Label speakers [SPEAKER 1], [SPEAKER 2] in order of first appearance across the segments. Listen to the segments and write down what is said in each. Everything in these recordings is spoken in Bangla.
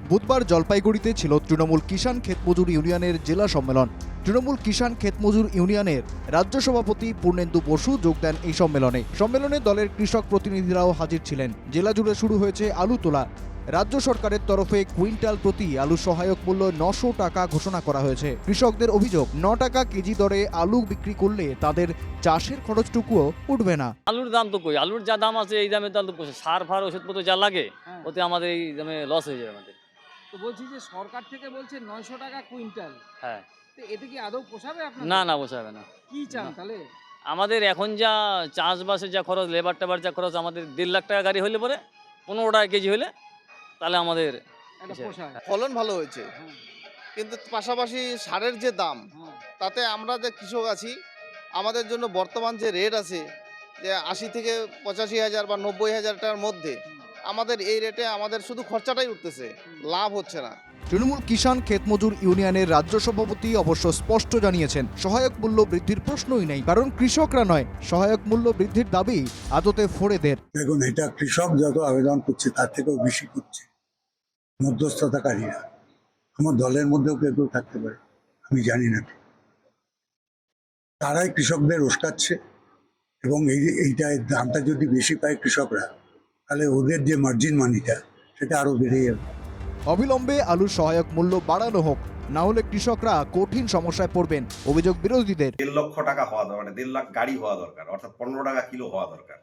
[SPEAKER 1] বুধবার জলপাইগুড়িতে ছিল তৃণমূল কিষাণ ক্ষেতমজুর ইউনিয়নের জেলা সম্মেলন। তৃণমূল কিষাণ ক্ষেতমজুর ইউনিয়নের রাজ্য সভাপতি পূর্ণেন্দু বসু যোগ দেন এই সম্মেলনে দলের কৃষক প্রতিনিধিরাও হাজির ছিলেন। জেলা জুড়ে শুরু হয়েছে আলু তোলা। রাজ্য সরকারের তরফে কুইন্টাল প্রতি আলু সহায়ক মূল্য 900 টাকা ঘোষণা করা হয়েছে। কৃষকদের অভিযোগ, 9 টাকা কেজি দরে আলু বিক্রি করলে তাদের চাষের খরচটুকুও উঠবে না।
[SPEAKER 2] আলুর দাম তো কই, আলুর যা দাম আছে এই দামে তো আলু সার ফার ওষুধপত্র যা লাগে ওতে আমাদের এই দামে লস হয়ে যাবে আমাদের।
[SPEAKER 3] তো বলছি যে সরকার থেকে বলছে 900 টাকা কুইন্টাল,
[SPEAKER 2] হ্যাঁ,
[SPEAKER 3] তো এতে কি আদৌ পোষাবে আপনার?
[SPEAKER 2] না না পোষাবে না।
[SPEAKER 3] কি চান
[SPEAKER 2] না।
[SPEAKER 3] তাহলে?
[SPEAKER 2] আমাদের এখন যা চাষবাসের যা খরচ, লেবার টেবার যা খরচ, আমাদের 1.5 লাখ টাকা গাড়ি হলে পরে 15 টাকা কেজি হলে তাহলে আমাদের
[SPEAKER 3] এটা পোষায়?
[SPEAKER 4] ফলন ভালো হয়েছে,
[SPEAKER 3] হ্যাঁ,
[SPEAKER 4] কিন্তু পাশাপাশি সারের যে দাম,
[SPEAKER 3] হ্যাঁ।
[SPEAKER 4] তাতে আমরা যে কৃষক আছি, আমাদের জন্য বর্তমান যে রেট আছে যে 80 থেকে 85,000 বা 90,000 টাকার মধ্যে, আমাদের এই রেটে আমাদের শুধু খরচাটাই উঠতেছে, লাভ হচ্ছে না।
[SPEAKER 1] তৃণমূল কিষাণ ক্ষেতমজুর ইউনিয়নের রাজ্য সভাপতি অবশ্য স্পষ্ট জানিয়েছেন, সহায়ক মূল্য বৃদ্ধির প্রশ্নই নেই, কারণ কৃষকরা নয়, সহায়ক মূল্য বৃদ্ধির দাবি আদতে ফোড়েদের।
[SPEAKER 5] দেখুন, এটা কৃষক যত আবেদন করছে তার থেকেও বেশি করছে মধ্যস্থতাকারীরা। আমার দলের মধ্যেও কেউ কেউ থাকতে পারে, আমি জানি না, তারাই কৃষকদের উস্কাচ্ছে। এবং এইটা দামটা যদি বেশি পায় কৃষকরা, তাহলে ওদের যে মার্জিন মানিটা সেটা আরো বেড়ে যাবে।
[SPEAKER 1] অবিলম্বে আলুর সহায়ক মূল্য বাড়ানো হোক, না হলে কৃষকরা কঠিন সমস্যায় পড়বেন, অভিযোগ বিরোধীদের।
[SPEAKER 6] 1.5 লক্ষ টাকা হওয়া দরকার, মানে 1.5 লাখ গাড়ি হওয়া দরকার, অর্থাৎ 15 টাকা কিলো হওয়া দরকার।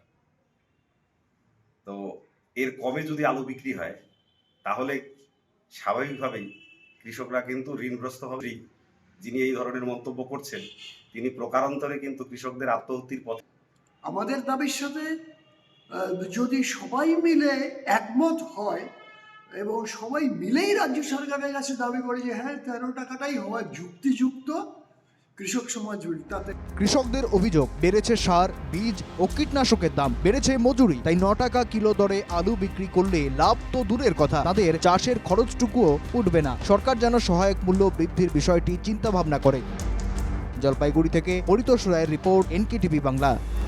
[SPEAKER 6] তো এর কমে যদি আলু বিক্রি হয় তাহলে স্বাভাবিকভাবেই কৃষকরা কিন্তু ঋণগ্রস্ত হবে। যিনি এই ধরনের মন্তব্য করছেন তিনি প্রকারান্তরে কিন্তু কৃষকদের আত্মহত্যার পথে।
[SPEAKER 7] আমাদের দাবির সাথে যদি সবাই মিলে একমত হয় এবং সবাই মিলেই রাজ্য সরকারের কাছে দাবি করে যে হ্যাঁ 13 টাকাটাই হওয়া যুক্তিযুক্ত, কৃষক সমাজ তাতে।
[SPEAKER 1] কৃষকদের অভিযোগ, বেড়েছে সার, বীজ ও কীটনাশকের দাম, বেড়েছে মজুরি, তাই 9 টাকা কিলো দরে আলু বিক্রি করলে লাভ তো দূরের কথা, তাদের চাষের খরচটুকুও উঠবে না। সরকার যেন সহায়ক মূল্য বৃদ্ধির বিষয়টি চিন্তা ভাবনা করে। জলপাইগুড়ি থেকে পরিতোষ রায়ের রিপোর্ট, NKTV বাংলা।